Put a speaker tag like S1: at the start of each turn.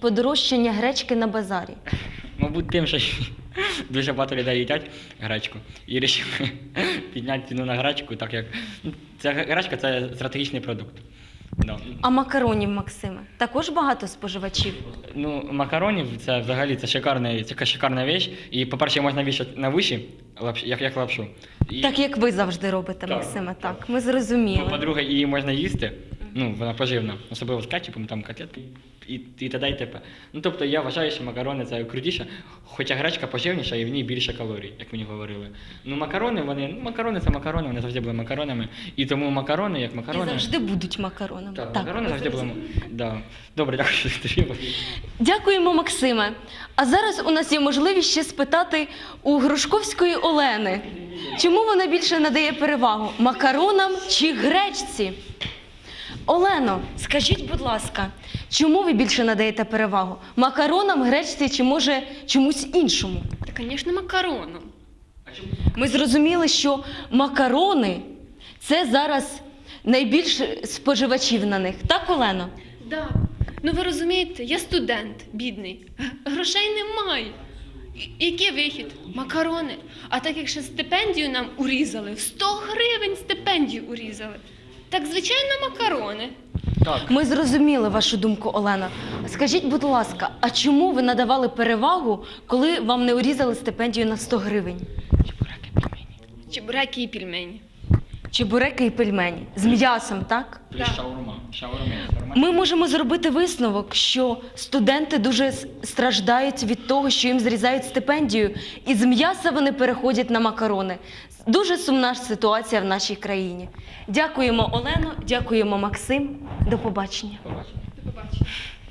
S1: подорожчання гречки на базарі?
S2: Мабуть, тим, що дуже багато людей їдять гречку і вирішили підняти ціну на гречку, так як ця гречка – це стратегічний продукт. Да.
S1: А макаронів, Максиме, також багато споживачів?
S2: Ну, макаронів – це взагалі це шикарна річ. І, по-перше, можна вішати на виші, як лапшу. І,
S1: Так, як ви завжди робите,
S2: Так,
S1: Максиме,
S2: так.
S1: так. Ми зрозуміли.
S2: по-друге, її можна їсти, ну, вона поживна, особливо з кетчупом, там котлетки і т.д. і т.п. Ну, тобто, я вважаю, що макарони – це крутіше, хоча гречка поживніша і в ній більше калорій, як мені говорили. Ну, макарони – це макарони, вони завжди були макаронами, і тому макарони, як макарони…
S1: І завжди будуть макаронами.
S2: Так, макарони завжди були. Да. Добре, дякую, що ти.
S1: Дякуємо, Максиме. А зараз у нас є можливість ще спитати у Грушковської Олени, чому вона більше надає перевагу – макаронам чи гречці? Олено, скажіть, будь ласка, чому ви більше надаєте перевагу – макаронам, гречці чи, може, чомусь іншому?
S3: Та, звісно, макароном.
S1: Ми зрозуміли, що макарони – це зараз найбільше споживачів на них. Так, Олено?
S3: Да. Ну ви розумієте, я студент, бідний, грошей немає. Який вихід? Макарони. А так як ще стипендію нам урізали, в 100 гривень стипендію урізали. Так, звичайно, макарони.
S2: Так.
S1: Ми зрозуміли вашу думку, Олена. Скажіть, будь ласка, а чому ви надавали перевагу, коли вам не урізали стипендію на 100 гривень?
S3: Чебуреки і пельмені.
S1: Чебуреки і пельмені. З м'ясом, так?
S2: Плюс шаурма.
S1: Ми можемо зробити висновок, що студенти дуже страждають від того, що їм зрізають стипендію, і з м'яса вони переходять на макарони. Дуже сумна ситуація в нашій країні. Дякуємо, Олено, дякуємо, Максим. До побачення.
S2: Побачення.
S3: До побачення.